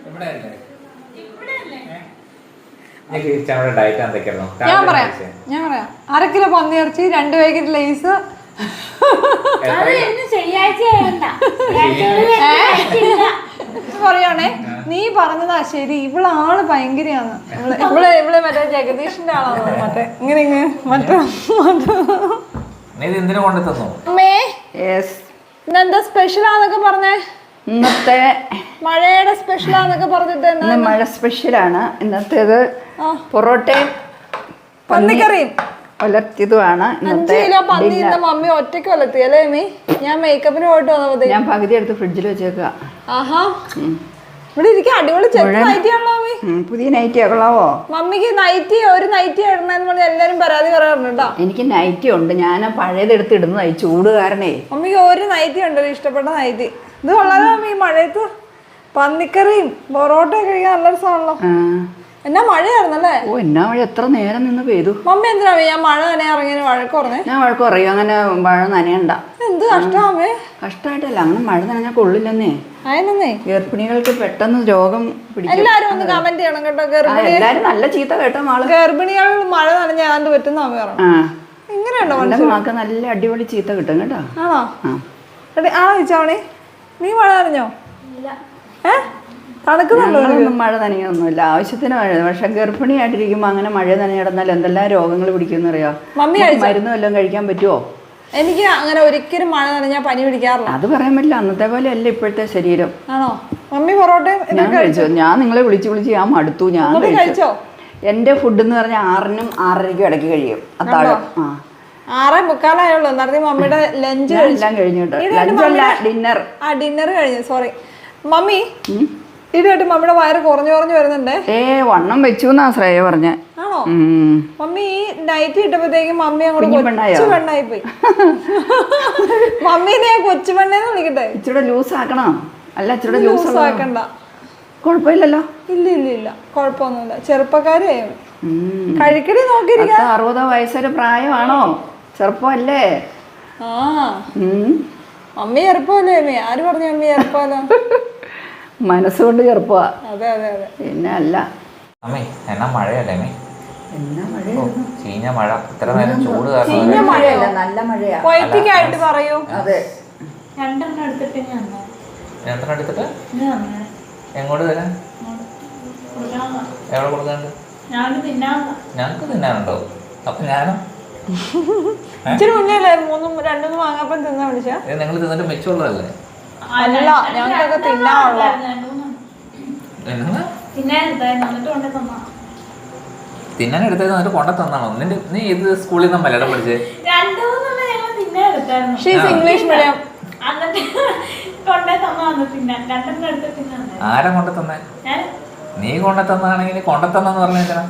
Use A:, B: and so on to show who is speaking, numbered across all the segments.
A: ഞാൻ പറയാം 1/2 കിലോ പന്നിയിറച്ചി 2 പാക്കറ്റ് ലേസ്. പറയാണേ നീ പറഞ്ഞതാ ശരി. ഇവളാള് ഭയങ്കരയാണ്. ഇവളെ മറ്റേ ജഗദീഷിന്റെ ആളാണ്. മറ്റേ ഇങ്ങനെ ഇന്നെന്താ സ്പെഷ്യലാന്നൊക്കെ പറഞ്ഞേ?
B: ഇന്നത്തെ
A: മഴയുടെ സ്പെഷ്യലാന്നൊക്കെ പറഞ്ഞിട്ട്
B: മഴ സ്പെഷ്യലാണ്. ഇന്നത്തേത് പൊറോട്ടയും
A: പന്നിക്കറിയും
B: ഒലർത്തിയതുമാണ്.
A: 5 കിലോ പന്നി ഇന്ന് മമ്മി ഒറ്റയ്ക്ക് ഒലത്തി അല്ലേ മമ്മി? ഞാൻ മേക്കപ്പിന് പോയിട്ട് വന്നത്.
B: ഞാൻ പകുതി എടുത്ത് ഫ്രിഡ്ജിൽ വെച്ചേക്കുക.
A: ആഹാ, ഇവിടെ ഇരിക്കും. അടിപൊളി നൈറ്റി ആണല്ലോ മമ്മി.
B: പുതിയ നൈറ്റി കൊള്ളാവോ?
A: മമ്മിക്ക് ഒരു നൈറ്റി ഇടണമെന്ന് പറഞ്ഞ് എല്ലാരും പരാതി പറയാറുണ്ടോ?
B: എനിക്ക് നൈറ്റി ഉണ്ട്. ഞാൻ പഴയതെടുത്ത് ഇടുന്നതായി ചൂട് കാരണേ.
A: മമ്മിക്ക് ഒരു നൈറ്റി ഉണ്ടല്ലോ, ഇഷ്ടപ്പെട്ട നൈറ്റി. ഇത് കൊള്ളാലോ മമ്മി. മഴയത്ത് പന്നിക്കറിയും പൊറോട്ടയും കഴിക്കാൻ നല്ല രസമാണല്ലോ. എന്നാ മഴയായിരുന്നല്ലേ?
B: ഓ, എന്നാ മഴ! എത്ര നേരം നിന്ന് പെയ്തു.
A: മമ്മി എന്തിനാ ഞാൻ മഴ നനയാൻ ഇറങ്ങിയ വഴക്ക് പറഞ്ഞേ?
B: ഞാൻ വഴക്ക് പറയും, അങ്ങനെ മഴ നനയണ്ട.
A: എന്ത് കഷ്ടമേ!
B: കഷ്ടമായിട്ടല്ല, അങ്ങനെ മഴ നനഞ്ഞാൽ കൊള്ളില്ലെന്നേ.
A: അതിനെന്നേ
B: ഗർഭിണികൾക്ക് പെട്ടെന്ന് രോഗം പിടിക്കും.
A: എല്ലാരും ഒന്ന് കമന്റ് ചെയ്യണം കേട്ടോ.
B: എല്ലാരും നല്ല ചീത്ത കേട്ടോ മാള്.
A: ഗർഭിണികൾ മഴ നനഞ്ഞാൽ അത് പറ്റുന്ന അമ്മ പറഞ്ഞു. ഇങ്ങനെയുണ്ടോ?
B: മാക്ക് നല്ല അടിപൊളി ചീത്ത കിട്ടും കേട്ടോ.
A: ആണോ? ചോദിച്ചാവണേ, നീ മഴ നനഞ്ഞോ?
B: തണുക്കുന്നുണ്ടോ? മഴ നനയൊന്നുമില്ല, ആവശ്യത്തിന് മഴ. പക്ഷെ ഗർഭിണിയായിട്ടിരിക്കുമ്പോ അങ്ങനെ മഴ നനഞ്ഞിടന്നാൽ എന്തെല്ലാം രോഗങ്ങൾ പിടിക്കുമെന്ന് അറിയാം. മരുന്ന് വല്ലതും കഴിക്കാൻ പറ്റുമോ?
A: എനിക്ക് അങ്ങനെ ഒരിക്കലും മഴ നനഞ്ഞാൽ പനി പിടിക്കാറില്ല.
B: അത് പറയാൻ പറ്റില്ല, അന്നത്തെ പോലെ അല്ല ഇപ്പോഴത്തെ ശരീരം.
A: ആണോ? മമ്മി പൊറോട്ടയും
B: ഞാൻ കഴിച്ചു. ഞാൻ നിങ്ങളെ വിളിച്ച് ഞാൻ മടുത്തു. ഞാൻ കഴിച്ചോ? എന്റെ ഫുഡ് എന്ന് പറഞ്ഞാൽ 6-നും 6:30ക്കും ഇടയ്ക്ക് കഴിയും അത്താഴം.
A: 6:45 നേരത്തെ മമ്മിയുടെ ലഞ്ച്
B: എല്ലാം കഴിഞ്ഞിട്ട്. ലഞ്ചല്ല, ഡിന്നർ.
A: ഡിന്നർ കഴിഞ്ഞു. Sorry mummy. ഇതായിട്ട് മമ്മിയുടെ വയറ് കുറഞ്ഞു വരുന്നുണ്ട്.
B: വണ്ണം വെച്ചു എന്നാ ശ്രേയ പറഞ്ഞേ.
A: ആണോ? മമ്മി ഈ നൈറ്റ് ഇട്ടപ്പോഴത്തേക്കും മമ്മി അങ്ങോട്ട് കൊച്ചു പെണ്ണായി പോയി. മമ്മീനെ ഞാൻ കൊച്ചു പെണ്ണേന്ന് വിളിക്കട്ടെ?
B: ഇച്ചിരി ലൂസ് ആക്കണോ? അല്ല, ഇച്ചിരി ലൂസ്
A: ആക്കണ്ട.
B: കുഴപ്പമില്ലല്ലോ.
A: ഇല്ല കുഴപ്പമൊന്നുമില്ല. ചെറുപ്പക്കാരെ കഴിക്കടി നോക്കിയിരിക്കാം.
B: 60 വയസ്സൊരു പ്രായമാണോ? ചെറുപ്പമല്ലേ?
A: Mummy ചെറുപ്പമല്ലേ mummy? ആര് പറഞ്ഞു മമ്മി ചെറുപ്പമല്ലോ?
B: മനസ്സുകൊണ്ട് ചെറുപ്പമാ.
A: അതെ
B: പിന്നെ അല്ല.
C: എന്നാ മഴയല്ലേ മേ?
B: എന്നാ മഴ!
C: ചീഞ്ഞ മഴ. ഇത്ര നേരം ചൂട്
B: ചീഞ്ഞ മഴയല്ല, നല്ല മഴയാ.
A: പൊയറ്റിക്കായിട്ട് പറയൂ.
B: അതെ.
A: 2 എടുത്തിട്ട്
C: എങ്ങോട്ട് തരാൻ? എവിടെ കൊടുക്കാണ്ട്? ഞങ്ങക്ക് തിന്നാനുണ്ടോ? അപ്പൊ ഞാനോ?
A: ഇച്ചിരി മുന്നേല്ലേ 2 വാങ്ങാപ്പം തിന്നാ വിളിച്ചാ?
C: നിങ്ങൾ തിന്നിട്ട് മിച്ചമുള്ളതല്ലേ?
A: അല്ല, ഞങ്ങൾക്കൊക്കെ തിന്നാനുള്ള.
C: തിന്നാൻ എടുത്തത് എന്നിട്ട് കൊണ്ട തന്നാണോ? നീ ഇത് സ്കൂളിൽ നിന്ന് മലയാളം പഠിച്ചേ?
A: English medium.
C: ആരാ കൊണ്ട തന്നെ? നീ കൊണ്ട തന്നാണെങ്കിൽ കൊണ്ട തന്നെന്ന് പറഞ്ഞാ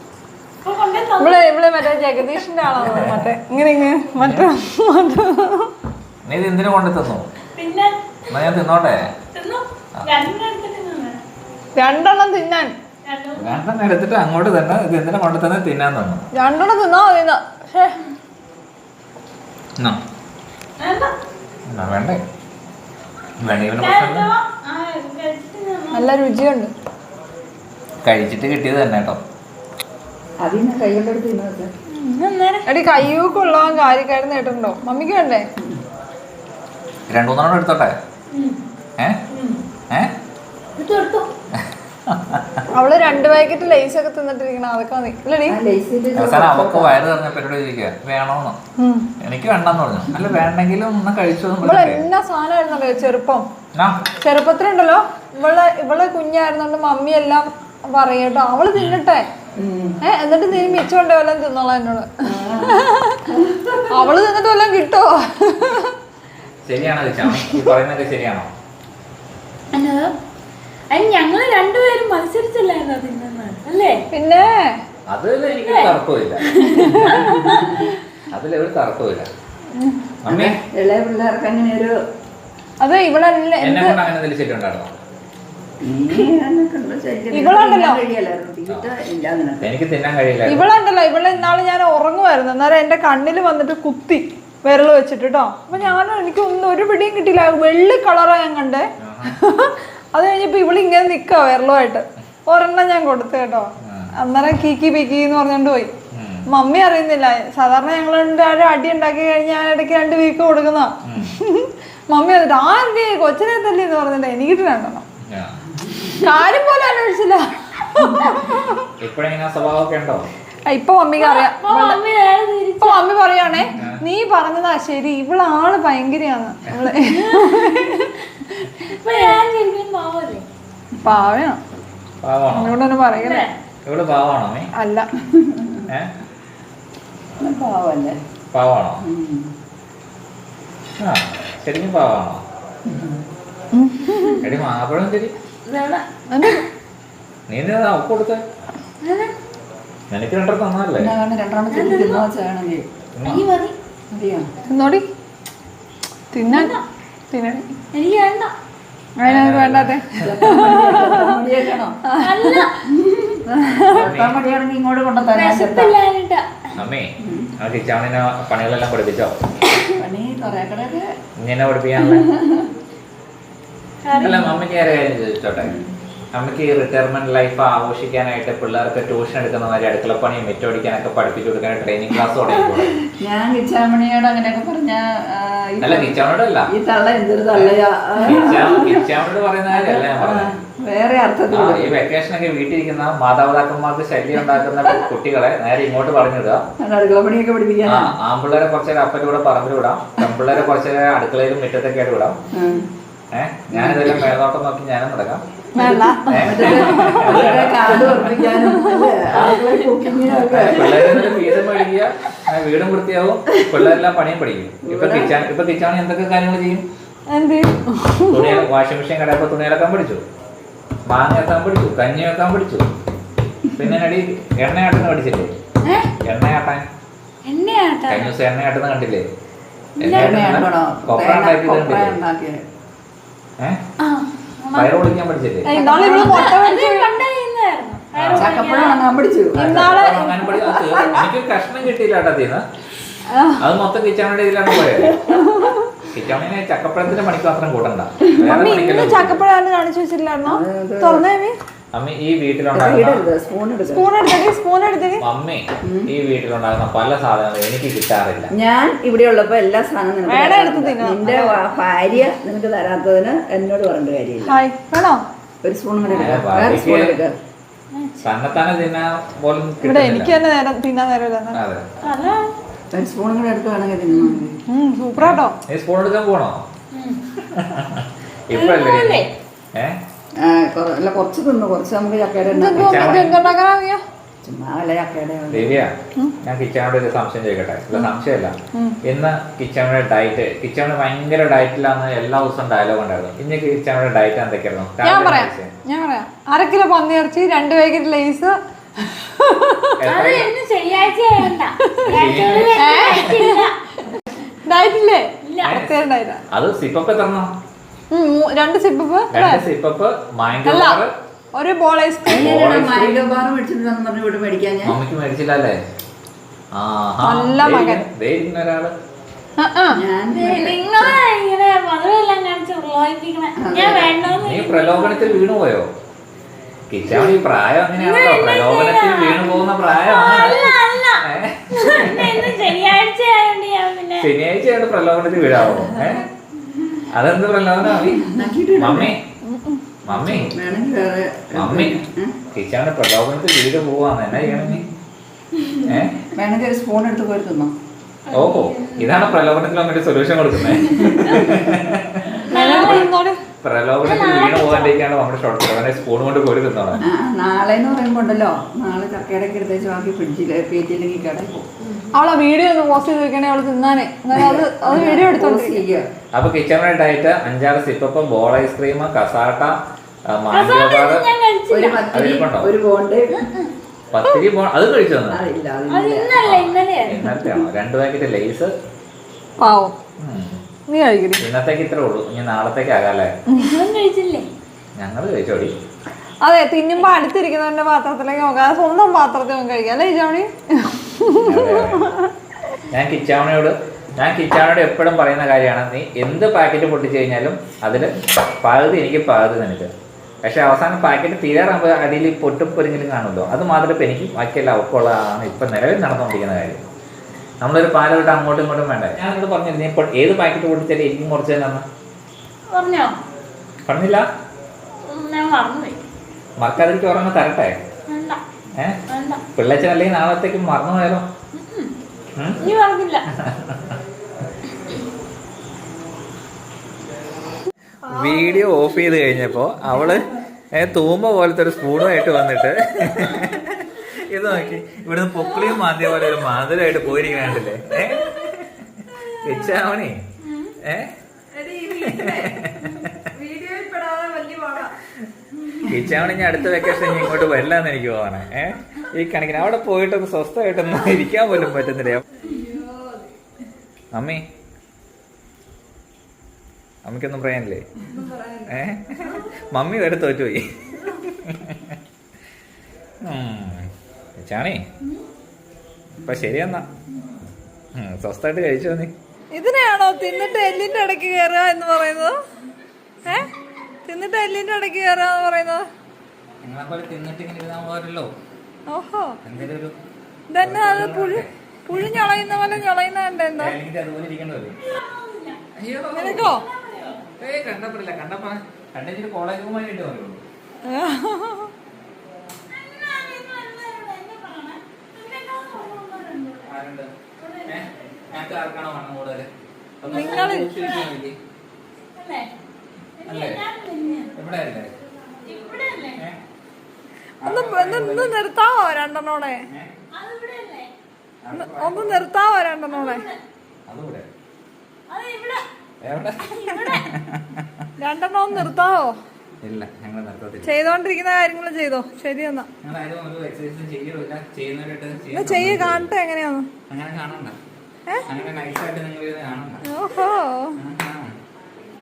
A: ഇവിടെ മറ്റേ ജഗദീഷിന്റെ ആളാണ്. മറ്റേ മറ്റേ
C: നീ ഇത് എന്തിനു കൊണ്ടു തന്നു? എന്നാ ഞാൻ തിന്നോട്ടെ?
A: 2 തിന്നാൻ.
C: 2 എടുത്തിട്ട് അങ്ങോട്ട് തന്നെ. ഇത് എന്തിനാ കൊണ്ടു തന്നെ? തിന്നാൻ തന്നു.
A: 2 തിന്നോ?
C: വേണ്ടേ?
A: നല്ല രുചിയുണ്ട്.
C: കഴിച്ചിട്ട് കിട്ടിയത് തന്നെ കേട്ടോ.
A: എടി കയ്യൂക്കുള്ള കാര്യക്കാരൻ നേട്ടുണ്ടോ? മമ്മിക്ക് വേണ്ടേ?
C: 2-3 എടുത്തോട്ടെ?
A: അവള് 2 പാക്കറ്റ് ലേസ് ഒക്കെ തിന്നിട്ടിരിക്കണം. അതൊക്കെ മതി.
C: അവസാനം അവക്ക് വയറ് പറഞ്ഞ പരിപാടി ചോദിക്കുക വേണോന്ന്. എനിക്ക് വേണ്ടെന്ന് പറഞ്ഞു. അല്ല, വേണ്ടെങ്കിലും ഒന്ന് കഴിച്ചു.
A: എന്നാ സാധനമായിരുന്നല്ലോ ചെറുപ്പത്തിലുണ്ടല്ലോ. ഇവള് കുഞ്ഞായിരുന്നോണ്ട് മമ്മി എല്ലാം പറയട്ടോ. അവള് തിന്നട്ടെ. എന്നിട്ട് നീ മിച്ചമുണ്ടോ വല്ലതും തിന്നോളാം എന്നോട്. അവള് തിന്നിട്ട് വല്ലതും കിട്ടോ?
C: ശരിയാണോ പറയുന്നതൊക്കെ? ശരിയാണോ?
D: ഞങ്ങള് 2 പേരും മത്സരിച്ചല്ലായിരുന്നോ തിന്നുന്നത്? അല്ലേ?
A: പിന്നെ
C: അതിൽ എനിക്ക് തർക്കമില്ല. അതിലൊരു തർക്കമില്ല.
B: ഇളയ പിള്ളേർക്ക് അങ്ങനെ ഒരു
A: അത് ഇവളല്ലേ ഇവളുണ്ടല്ലോ. ഇവളെ ഇന്നാള് ഞാൻ ഉറങ്ങുമായിരുന്നു. അന്നേരം എന്റെ കണ്ണിൽ വന്നിട്ട് കുത്തി വിരൽ വെച്ചിട്ട് കേട്ടോ. അപ്പൊ എനിക്ക് ഒന്നും ഒരു പിടിയും കിട്ടിയില്ല. വെള്ളി കളറാ ഞാൻ കണ്ടേ. അത് കഴിഞ്ഞപ്പോ ഇവിടെ ഇങ്ങനെ നിക്കാ വിരലുമായിട്ട് ഒരെണ്ണം ഞാൻ കൊടുത്തു കേട്ടോ. അന്നേരം കീക്കി പിക്കി എന്ന് പറഞ്ഞോണ്ട് പോയി. മമ്മി അറിയുന്നില്ല. സാധാരണ ഞങ്ങൾ ഒരു അടി ഉണ്ടാക്കി കഴിഞ്ഞാൽ ഞാൻ ഇടയ്ക്ക് 2 വീക്ക് കൊടുക്കുന്ന. മമ്മി വന്നിട്ട് ആരുടെ കൊച്ചിനെ തല്ലി എന്ന് പറഞ്ഞിട്ട് എനിക്കിട്ട് രണ്ടെണ്ണം. കാര്യം പോലെ അന്വേഷിച്ചില്ല. ഇപ്പൊ മമ്മിക്ക് അറിയാം. ഇപ്പൊ മമ്മി പറയാണേ നീ പറഞ്ഞതാ ശരി, ഇവളാള് ഭയങ്കരയാണ്. പാവയാണ് അതുകൊണ്ടൊന്നും പറയണേ അല്ല.
C: പാവാണോ? ശരിക്കും പാവാണോ? എടി മാപ്പഴും ശരി. നീ എന്താ ഒപ്പ് കൊടുത്ത? എനിക്ക് 2 തന്നല്ലേ?
A: തിന്നോടി തിന്നാൻ തിന്നടി.
D: എനിക്ക് വേണ്ട.
A: അതിനൊക്കെ വേണ്ടാത്തെ.
B: ഇങ്ങോട്ട് കൊണ്ടുതരാൻ
D: വിശപ്പില്ലാഞ്ഞിട്ടാ.
C: അമ്മേ ആ കിച്ചാണിനെ പണികളെല്ലാം പഠിപ്പിച്ചോ?
B: പണി കൊറേ കടയൊക്കെ
C: ഇങ്ങനെ പഠിപ്പിക്കാനുള്ള അല്ല. മമ്മിക്ക് ഏറെ കാര്യം ചോദിച്ചോട്ടെ. നമുക്ക് ഈ റിട്ടയർമെന്റ് ലൈഫ് ആഘോഷിക്കാനായിട്ട് പിള്ളേർക്ക് ട്യൂഷൻ എടുക്കുന്ന മാതിരി അടുക്കളപ്പണിയും മെറ്റോടിക്കാനൊക്കെ പഠിപ്പിച്ചു കൊടുക്കാൻ ട്രെയിനിങ് ക്ലാസ് തുടങ്ങിക്കൂടെ?
B: ഞാൻ കിച്ചാമണിയോട് അങ്ങനെയൊക്കെ പറഞ്ഞ
C: അല്ല കിച്ചാമണിയോടല്ല,
B: ഈ തള്ള എന്തൊരു തള്ളയാ.
C: കിച്ചാമണിയോട് പറയുന്ന കാര്യമല്ല ഞാൻ പറഞ്ഞത്.
B: വേറെ അർത്ഥത്തിൽ
C: ഈ വെക്കേഷനൊക്കെ വീട്ടിലിരിക്കുന്ന മാതാപിതാക്കന്മാർക്ക് ശല്യം ഉണ്ടാക്കുന്ന കുട്ടികളെ നേരെ ഇങ്ങോട്ട് പറഞ്ഞിടുക.
B: അടുക്കളപ്പണിയൊക്കെ പഠിപ്പിക്കാൻ.
C: ആൺപിള്ളേരെ കുറച്ചേരം അപ്പൻ്റെ കൂടെ പറമ്പിൽ വിടാം, പെൺപിള്ളേരെ കുറച്ചേരം അടുക്കളയിലും മുറ്റത്തൊക്കെ ആയിട്ട് വിടാം. ഞാനിതെല്ലാം മേൽനോട്ടം നോക്കി ഞാനും നടക്കാം. പിള്ളേരെ ഫീസും മേടിക്കുക, വീടും വൃത്തിയാവും, പിള്ളേരെല്ലാം പണിയും പഠിക്കും. ഇപ്പൊ കിച്ചാണി എന്തൊക്കെ കാര്യങ്ങൾ ചെയ്യും? തുണി വാഷിംഗ് മെഷീൻ കടയപ്പോ തുണി അലക്കാൻ പഠിച്ചു, മാങ്ങ വെക്കാൻ പഠിച്ചു, കഞ്ഞി വെക്കാൻ പഠിച്ചു. പിന്നെ അടി എണ്ണയാട്ടുന്ന പഠിച്ചില്ലേ? എണ്ണയാട്ടാൻ കഴിഞ്ഞ ദിവസം എണ്ണയാട്ടുന്ന കണ്ടില്ലേ? കൊപ്ര ഉണ്ടാക്കിയത് കണ്ടില്ലേ? പയറ് പൊളിക്കാൻ പഠിച്ചില്ലേ? എനിക്ക് കഷ്ണം കിട്ടിയില്ല കേട്ടോ തീന്ന്. അത് മൊത്തം കിച്ചാണിയുടെ ഇതിലാണ് പോയത്. കിച്ചാണിനെ ചക്കപ്പഴത്തിന്റെ പണിക്ക് മാത്രം കൂട്ടണ്ട.
A: ചക്കപ്പഴം കാണിച്ചു വെച്ചില്ലായിരുന്നോ?
C: മമ്മി ഈ വീട്ടിലുണ്ടാകുന്ന മമ്മി ഈ വീട്ടിലുണ്ടാകുന്ന പല സാധനങ്ങളും എനിക്ക് കിട്ടാറില്ല.
B: ഞാൻ ഇവിടെ ഉള്ളപ്പോ എല്ലാ സാധനവും നിന്റെ ഭാര്യ നിനക്ക് തരാത്തതിന് എന്നോട് പറഞ്ഞ കാര്യമില്ല. ഒരു സ്പൂൺ
C: തന്നെത്താനെ തിന്നാൻ പോലും
A: എനിക്ക് തന്നെ തിന്നാൻ നേരമില്ല.
B: ഒരു സ്പൂണും കൂടെ എടുത്ത് വേണമെങ്കിൽ തിന്നു.
A: സൂപ്പറാട്ടോ.
C: നീ സ്പൂൺ എടുക്കാൻ പോണോ? ഇപ്പഴല്ലേ?
B: അല്ല കുറച്ച് തിന്നു, കുറച്ച് നമുക്ക് ചക്കയുടെ ചുമ്മാ അല്ല ചക്കയുടെ.
C: ദേവിയ, ഞാൻ കിച്ചാനോട് ഒരു സംശയം ചോദിക്കട്ടെ? ഇല്ല സംശയമല്ല. ഇന്ന് കിച്ചാനോടെ ഡയറ്റ്, കിച്ചാനോട് ഭയങ്കര ഡയറ്റിലാന്ന് എല്ലാ ദിവസവും ഡയലോഗ് ഉണ്ടായിരുന്നു. ഇന്ന് കിച്ചാനോടെ ഡയറ്റ് എന്തൊക്കെയായിരുന്നു?
A: ഞാൻ പറയാം 1/2 കിലോ പന്നിയിറച്ചി, 2 പാക്കറ്റ് ലേസ്. ഡയറ്റില്ലേ?
C: അത് സിപ്പപ്പ് എത്രണ്ണോ?
A: 2 സിപ്പപ്പ്,
C: 2 സിപ്പപ്പ്, മാംഗോ ബാർ,
A: ഒരു ബോൾ ഐസ്ക്രീം.
B: മാംഗോ ബാർ മേടിച്ചിട്ട്
C: മമ്മിക്ക് മേടിച്ചില്ലല്ലേ?
A: നല്ല മകൻ
C: ഒരാള്. നീ പ്രലോഭനത്തിൽ വീണുപോയോ? കിച്ചാണ് ഈ പ്രായം അങ്ങനെയാണല്ലോ, പ്രലോഭനത്തിൽ വീണു പോകുന്ന പ്രായമാണ്. ശനിയാഴ്ചയാണ് പ്രലോഭനത്തിൽ വീഴാവോ? അതെന്ത് പ്രലോഭനമാണ്? മമ്മി മമ്മി മമ്മി കിച്ചാണ് പ്രലോഭനത്തിൽ വീട് പോവാന്ന് എന്നാ ചെയ്യണം നീ?
B: വേണമെങ്കിൽ ഒരു സ്പൂൺ എടുത്ത് പോയി തിന്നോ.
C: ഓഹോ, ഇതാണ് പ്രലോഭനത്തിൽ വന്നിട്ട് സൊല്യൂഷൻ കൊടുക്കുന്നത്. പ്രലോഭനത്തിൽ വീണ് പോകാണ്ടിരിക്കാണ് നമ്മുടെ ഷോർട്ട് അവനെ സ്പൂൺ കൊണ്ട് കോരി തിന്നോളാം.
B: നാളെ എന്ന് പറയുമ്പോ ഉണ്ടല്ലോ, നാളെ ചക്കയുടെ എടുത്തേച്ച് ബാക്കി ഫ്രിഡ്ജില് പേറ്റില്ലെങ്കിൽ കടയിൽ പോകും.
A: അവളെ വീഡിയോ ഒന്ന് പോസ്റ്റ് ചെയ്ത് വെക്കണേ, അവള് തിന്നാനേ. അത് വീഡിയോ എടുത്തോണ്ടിരിക്കുക.
C: അപ്പൊ കിച്ചണിന്റെ diet 5-6 sip up, ball ice cream, cassata, mango bar,
B: ഒരു ബോണ്ട്,
C: പത്തിരി. അത് കഴിച്ചു
D: ഇന്നലെയാണോ?
C: 2 പാക്കറ്റ് ലേസ്.
A: പാവം, നീ കഴിക്കടി.
C: ഇന്നത്തേക്ക് ഇത്രേ ഉള്ളൂ, ഇനി നാളത്തേക്ക് ആകാല്ലേ? ഞങ്ങള് കഴിച്ചോടി.
A: അതെ, തിന്നുമ്പോ അടുത്തിരിക്കുന്നവന്റെ പാത്രത്തിലേക്ക് നോക്കാം, സ്വന്തം പാത്രത്തിൽ കഴിക്കാം അല്ലേ കിച്ചാമണി?
C: ഞാൻ കിച്ചാമണിയോട് ഞാൻ കിച്ചാനോട് എപ്പോഴും പറയുന്ന കാര്യമാണ്, നീ എന്ത് പാക്കറ്റ് പൊട്ടിച്ചു കഴിഞ്ഞാലും അതിൽ പകുതി എനിക്ക് പകുതി നിനക്ക്. പക്ഷെ അവസാനം പാക്കറ്റ് തീരാറാകുമ്പോൾ അടിയിൽ പൊട്ടും പൊരിഞ്ഞിലും കാണുമല്ലോ, അത് മാത്രമേ ഇപ്പം എനിക്ക് ബാക്കിയെല്ലാം അവക്കുള്ളതാണ് ഇപ്പം നിലവിൽ നടന്നുകൊണ്ടിരിക്കുന്ന കാര്യം. നമ്മളൊരു പാല വിട്ട് അങ്ങോട്ടും ഇങ്ങോട്ടും വേണ്ട. ഞാൻ നിന്നോട് പറഞ്ഞില്ല നീ ഇപ്പോൾ ഏത് പാക്കറ്റ് പൊട്ടിച്ചാലും എനിക്കും കുറച്ച് തന്നെ
D: പറഞ്ഞോ?
C: പറഞ്ഞില്ല?
D: ഞാൻ മറന്നുപോയി.
C: മറക്കാതിരിക്കും ഓർമ്മ തരട്ടെ. പിള്ളേച്ചൻ അല്ലെങ്കിൽ നാളത്തേക്ക് മറന്നു പോയാലോ?
D: നീ പറഞ്ഞില്ല.
C: വീഡിയോ ഓഫ് ചെയ്ത് കഴിഞ്ഞപ്പോൾ അവള് തൂമ്പ പോലത്തെ ഒരു സ്പൂണുമായിട്ട് വന്നിട്ട് ഇത് നോക്കി ഇവിടുന്ന് പൊക്കിളിയും മാന്തിയ പോലെ ഒരു മാതിരമായിട്ട് പോയിരിക്കണേ. കിച്ചാവണേ കിച്ചാവണി ഞാൻ അടുത്ത വെക്കേഷൻ ഇങ്ങോട്ട് വരില്ലാന്ന് എനിക്ക് പോവാണ്. ഈ കണക്കിന് അവിടെ പോയിട്ടൊന്ന് സ്വസ്ഥമായിട്ടൊന്നും ഇരിക്കാൻ പോലും പറ്റുന്നില്ല. അമ്മയ്ക്കൊന്നും പറയാനില്ലേ? മമ്മി വരെ തോറ്റുപോയി. ചാണി ഇപ്പൊ ശരിയെന്നാ സ്വസ്ഥമായിട്ട് കഴിച്ചോ നീ.
A: ഇതിനെയാണോ തിന്നിട്ട് എല്ലിന്റെ ഇടയ്ക്ക് കയറുക എന്ന് പറയുന്നത്? തിന്നിട്ട് എല്ലിന്റെ ഇടയ്ക്ക് കയറുക എന്ന് പറയുന്നത്?
C: നിങ്ങളെപ്പോലെ തിന്നിട്ട് ഇങ്ങനെ ഇരുന്നാൻ പോരല്ലോ.
A: ഓഹോ,
C: എന്തെങ്കിലും ഒരു
A: ഇതന്നെ അത് പുഴു ഞളയുന്ന പോലെ ഞളയുന്ന കണ്ടെന്താ
C: അതുപോലെ ഇരിക്കണ്ടല്ലോ.
A: നിനക്കോ?
C: കണ്ടപ്പോഴില്ല, കണ്ടപ്പോ കണ്ടിട്ട് കോളേജ് റൂമായിട്ട് പറയുള്ളൂ. ഞങ്ങൾക്ക് ആർക്കാണോ വണ്ണം കൂടുതല്?
A: ഒന്ന് നിർത്താവോ രണ്ടെണ്ണോടെ? ഒന്ന് നിർത്താവോ രണ്ടെണ്ണോടെ? രണ്ടെണ്ണം ഒന്ന് നിർത്താവോ?
C: ഇല്ല, ഞങ്ങൾ നിർത്തത്തില്ല.
A: ചെയ്തോണ്ടിരിക്കുന്ന കാര്യങ്ങൾ ചെയ്തോ. ശരിയെന്നാ ചെയ്യ കാണട്ടെ എങ്ങനെയാന്ന്.
C: അങ്ങനെ കാണണ്ട, അങ്ങനെ നൈസായിട്ട് നിങ്ങൾ കാണണ്ട.
A: ഓഹോ,